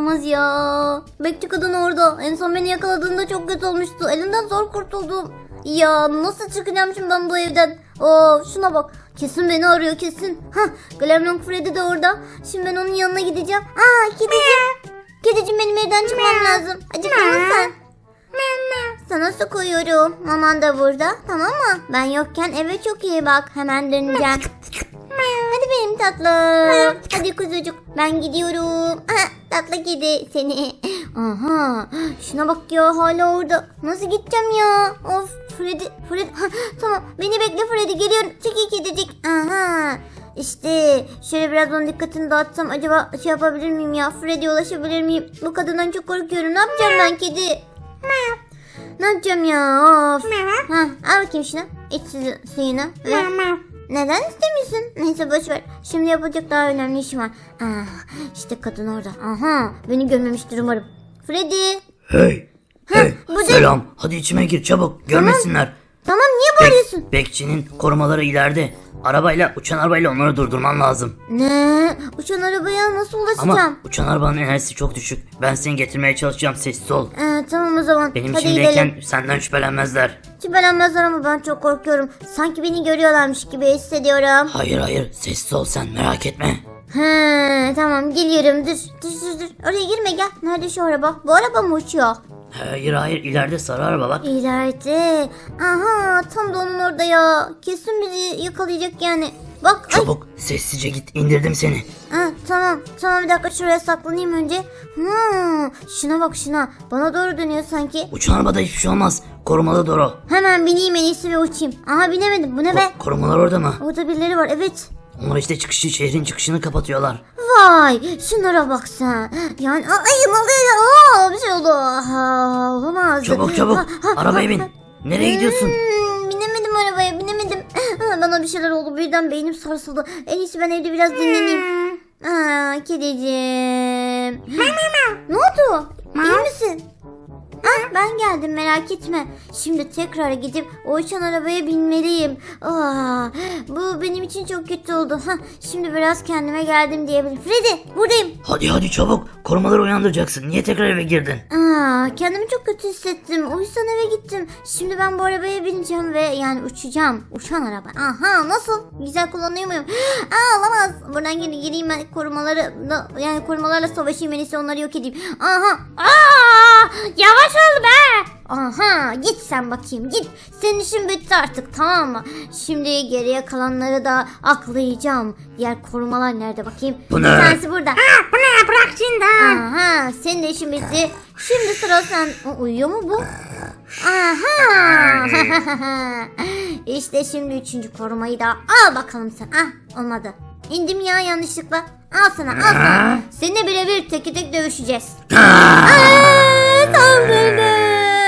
Olamaz ya. Bekçi kadın orada. En son beni yakaladığında çok kötü olmuştu. Elinden zor kurtuldum. Ya nasıl çıkacağım şimdi ben bu evden? Şuna bak. Kesin beni arıyor kesin. Glamrock Freddy de orada. Şimdi ben onun yanına gideceğim. Kedicim. Kedicim benim evden çıkmam lazım. Acıktın mı sen? Sana su koyuyorum. Maman da burada. Tamam mı? Ben yokken eve çok iyi bak. Hemen döneceğim. Hadi benim tatlım. Hadi kuzucuk. Ben gidiyorum. Tatlı kedi seni. Aha. Şuna bak ya hala orada. Nasıl gideceğim ya? Of Freddy. Tamam beni bekle Freddy. Geliyorum. Çekil kedicik. Aha. İşte şöyle biraz onun dikkatini dağıtsam acaba şey yapabilir miyim ya? Freddy'ye ulaşabilir miyim? Bu kadından çok korkuyorum. Ne yapacağım ben kedi? Ne yapacağım ya? Of. Al bakayım şunu. İç suyunu. Neden istemiyorsun? Neyse boşver. Şimdi yapacak daha önemli işim var. İşte kadın orada. Aha, beni görmemiştir umarım. Freddy. Hey. Selam. Hadi içime gir çabuk. Görmesinler. Tamam niye bağırıyorsun? Bekçinin korumaları ileride. Uçan arabayla onları durdurman lazım. Ne? Uçan arabaya nasıl ulaşacağım? Ama uçan arabanın enerjisi çok düşük. Ben seni getirmeye çalışacağım. Sessiz ol. Tamam o zaman. Benim hadi içimdeyken gidelim. senden şüphelenmezler. Şüphelenmezler ama ben çok korkuyorum. Sanki beni görüyorlarmış gibi hissediyorum. Hayır. Sessiz ol sen. Merak etme. Tamam geliyorum. Dur. Oraya girme gel. Nerede şu araba? Bu araba mı uçuyor? Hayır. İleride sarı araba bak. İleride. Aha tam da onun orada ya. Kesin bizi yakalayacak yani. Bak. Çabuk sessizce git. İndirdim seni. Tamam bir dakika şuraya saklanayım önce. Şuna bak şuna. Bana doğru dönüyor sanki. Uçan arabada hiçbir şey olmaz. Korumalı Doro. Hemen bineyim en iyisi ve uçayım. Aha binemedim. Bu ne be? Korumalar orada mı? Orada birileri var evet. Onlar işte şehrin çıkışını kapatıyorlar. Vay şunlara bak sen. Yani ne oluyor? Bir şey oldu. Olamaz. Çabuk. Arabaya bin. Nereye gidiyorsun? Binemedim arabaya binemedim. Bana bir şeyler oldu birden beynim sarsıldı. En iyisi ben evde biraz dinleneyim. Kediciğim. Ne oldu? İyi misin? Ben geldim merak etme. Şimdi tekrar gidip o uçan arabaya binmeliyim. Bu benim için çok kötü oldu. Şimdi biraz kendime geldim diyebilirim. Freddy buradayım. Hadi çabuk. Korumaları uyandıracaksın. Niye tekrar eve girdin? Kendimi çok kötü hissettim. O yüzden eve gittim. Şimdi ben bu arabaya bineceğim ve yani uçacağım. Uçan araba. Nasıl? Güzel kullanıyor muyum? Olamaz. Buradan gireyim ben korumalarla savaşayım. En iyisi onları yok edeyim. Yavaş ol be. Git sen bakayım git. Senin işin bitti artık tamam mı? Şimdi geriye kalanları da aklayacağım. Diğer korumalar nerede bakayım? Bu ne? Bir tanesi burada. Bu ne bırak şimdi. Senin de işin bitti. Şimdi sıra sen. Uyuyor mu bu? İşte şimdi 3. korumayı da al bakalım sen. Olmadı. İndim ya yanlışlıkla. Al sana. Seninle birebir tek dövüşeceğiz. Saldırdı.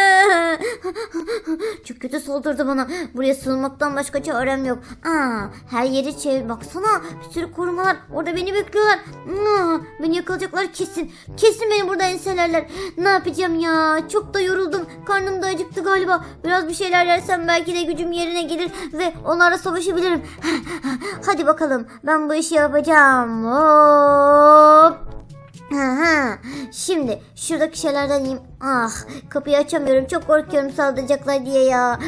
Çok kötü saldırdı bana. Buraya sığınmaktan başka çarem yok. Her yeri çevir. Baksana bir sürü korumalar. Orada beni bekliyorlar. Beni yakalayacaklar kesin. Kesin beni burada enselerler. Ne yapacağım ya? Çok da yoruldum. Karnım da acıktı galiba. Biraz bir şeyler yersem belki de gücüm yerine gelir ve onlarla savaşabilirim. Hadi bakalım. Ben bu işi yapacağım. Hop. Şimdi şuradaki şeylerden yiyeyim. Kapıyı açamıyorum. Çok korkuyorum saldıracaklar diye ya.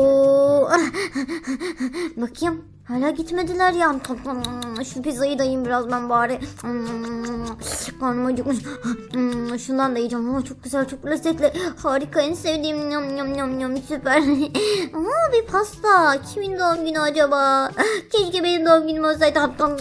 Bakayım. Hala gitmediler ya. Şu pizzayı da yiyeyim biraz ben bari. Karnım acıkmış. Şundan da yiyeceğim. Çok güzel, çok lezzetli. Harika, en sevdiğim. Yum süper. Bir pasta. Kimin doğum günü acaba? Keşke benim doğum günüm olsaydı.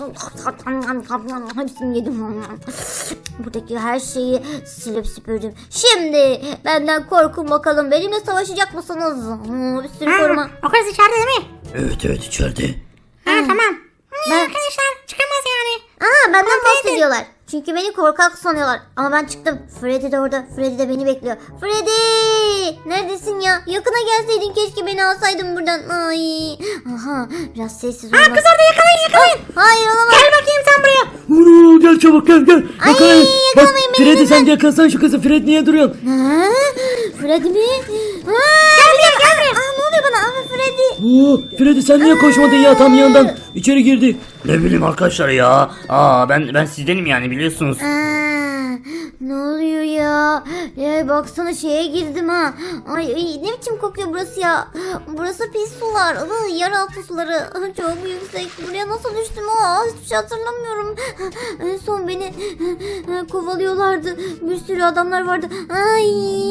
Hepsini yedim. Buradaki her şeyi silip süpürdüm. Şimdi benden korkun bakalım. Benimle savaşacak mısınız? Bir sürü koruma. O kız içeride değil mi? Evet içeride. Tamam. Arkadaşlar çıkamaz yani. Benden bahsediyorlar. Çünkü beni korkak sanıyorlar. Ama ben çıktım. Freddy de orada. Freddy de beni bekliyor. Freddy! Neredesin ya? Yakına gelseydin keşke beni alsaydın buradan. Biraz sessiz olmak. Kız orada yakalayın. Hayır olamaz. Gel bakayım sen buraya. Gel çabuk gel. Yakalayın. Bak Freddy sen de yakalasan şu kızı. Freddy niye duruyorsun? Freddy mi? Gel buraya. Ne oluyor bana? Freddy. Freddy sen niye koşmadın ya tam yandan? İçeri girdi. Ne bileyim arkadaşlar ya. Ben sizdenim yani biliyorsunuz. Ne oluyor ya? Ya baksana şeye girdim ha. Ay, ne biçim kokuyor burası ya? Burası pis sular. Yeraltı suları. Çok yüksek. Buraya nasıl düştüm? Hiçbir şey hatırlamıyorum. En son beni kovalıyorlardı. Bir sürü adamlar vardı. Ay.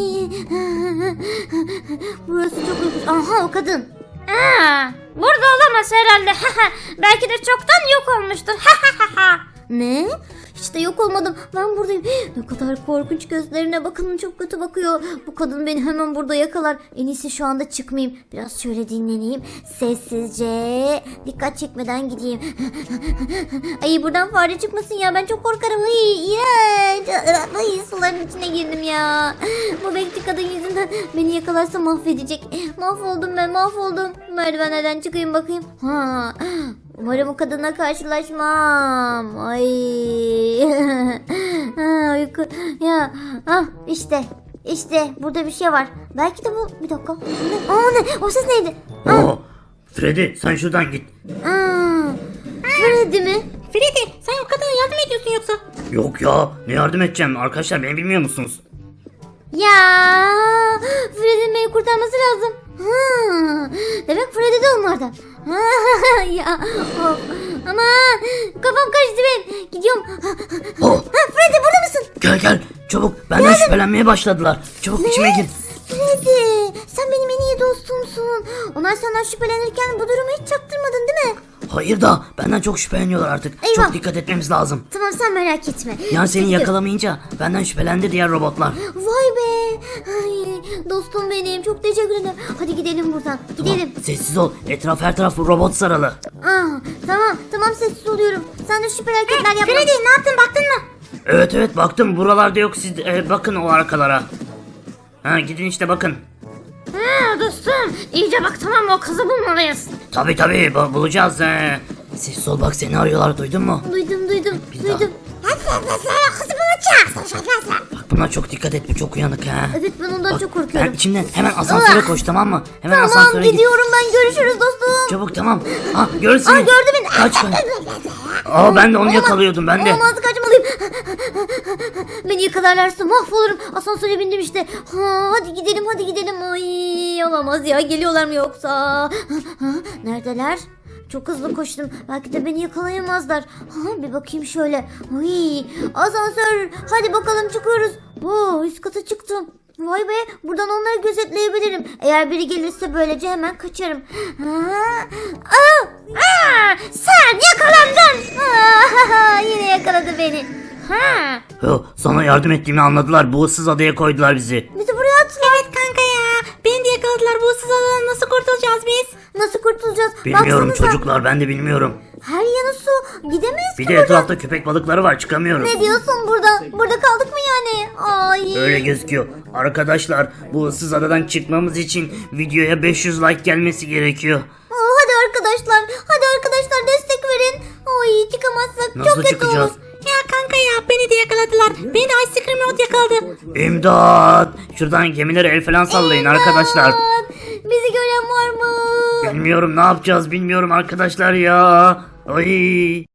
Burası çok yüksek. Aha, o kadın. Burada olamaz herhalde. Belki de çoktan yok olmuştur. Ne? Hiç de yok olmadım. Ben buradayım. Ne kadar korkunç, gözlerine bakın, çok kötü bakıyor. Bu kadın beni hemen burada yakalar. En iyisi şu anda çıkmayayım. Biraz şöyle dinleneyim. Sessizce. Dikkat çekmeden gideyim. Ay, buradan fare çıkmasın ya. Ben çok korkarım. Ay, iğrenç. Ay, suların içine girdim ya. Bu bekçi kadın yüzünden beni yakalarsa mahvedecek. Mahvoldum ben, mahvoldum. Merdivenlerden çıkayım bakayım. Umarım o kadınla karşılaşmam. Ay. Uyku. Ya. İşte burada bir şey var. Belki de bu. Bir dakika. Ne? O ses neydi? Freddy sen şuradan git. Freddy mi? Freddy, sen o kadına yardım ediyorsun yoksa? Yok ya, ne yardım edeceğim arkadaşlar, beni bilmiyor musunuz? Ya. Freddy'nin beni kurtarması lazım. Demek Freddy de onlardan. Ya. Of. Aman. Kafam karıştı benim. Gidiyorum. Freddy, burada mısın? Gel çabuk, benden şüphelenmeye başladılar. Çabuk içime gir. Freddy, sen benim en iyi dostumsun. Onlar senden şüphelenirken bu durumu hiç çaktırmadın değil mi? Hayır da benden çok şüpheleniyorlar artık. Eyvah. Çok dikkat etmemiz lazım. Tamam, sen merak etme. Yani seni Çünkü- yakalamayınca benden şüphelendi diğer robotlar. Vay be. Ay, dostum benim, çok teşekkür ederim. Hadi gidelim buradan. Gidelim. Sessiz ol, her taraf robot saralı. Tamam, sessiz oluyorum. Sen de şüpheli hareketler yapma. Freddy, ne yaptın, baktın mı? Evet baktım, buralarda yok, siz bakın o arkalara. Gidin işte bakın. Dostum, iyice bak, tamam mı? O kızı bulmalıyız. Tabi bulacağız. Sessiz ol, bak seni arıyorlar, duydun mu? Duydum. Biz daha- Kızı bulacaksın. Bak buna çok dikkat et, bu çok uyanık ha. Evet, ben ondan Bak, çok korkuyorum. ben içimden hemen asansöre koş, tamam mı? Hemen Tamam, asansöre git. gidiyorum ben. Görüşürüz dostum. Çabuk, tamam. Gördü seni. Gördü beni. Kaç. Ben de onu yakalıyordum, ben de. Olmaz, kaçmalıyım. Beni yakalarlarsa mahvolurum. Asansöre bindim işte. Hadi gidelim. Ay, olamaz ya. Geliyorlar mı yoksa? Neredeler? Çok hızlı koştum. Belki de beni yakalayamazlar. Bir bakayım şöyle. Ay, asansör. Hadi bakalım, çıkıyoruz. Üst kata çıktım. Vay be, buradan onları gözetleyebilirim. Eğer biri gelirse böylece hemen kaçarım. Sen yakalandın. Yine yakaladı beni. Sana yardım ettiğimi anladılar. Bu ıssız adaya koydular bizi. Bizi buraya attılar. Evet kanka ya. Beni de yakaladılar. Bu ıssız adadan nasıl kurtulacağız biz? Nasıl kurtulacağız? Bilmiyorum Baksanıza, çocuklar, ben de bilmiyorum. her yanı su. Gidemeyiz Bir ki de buradan. etrafta köpek balıkları var, çıkamıyorum. Ne diyorsun burada? Burada kaldık mı yani? Ay. Öyle gözüküyor. Arkadaşlar, bu ıssız adadan çıkmamız için videoya 500 like gelmesi gerekiyor. Hadi arkadaşlar destek verin. Ay, çıkamazsak Nasıl çok kötü çıkacağız? olur. Ya kanka ya, beni de yakaladılar. Beni de Ice Cream Road yakaladı. İmdat! Şuradan gemilere el falan sallayın arkadaşlar. Bizi gören var mı? Bilmiyorum, ne yapacağız bilmiyorum arkadaşlar ya. Ay.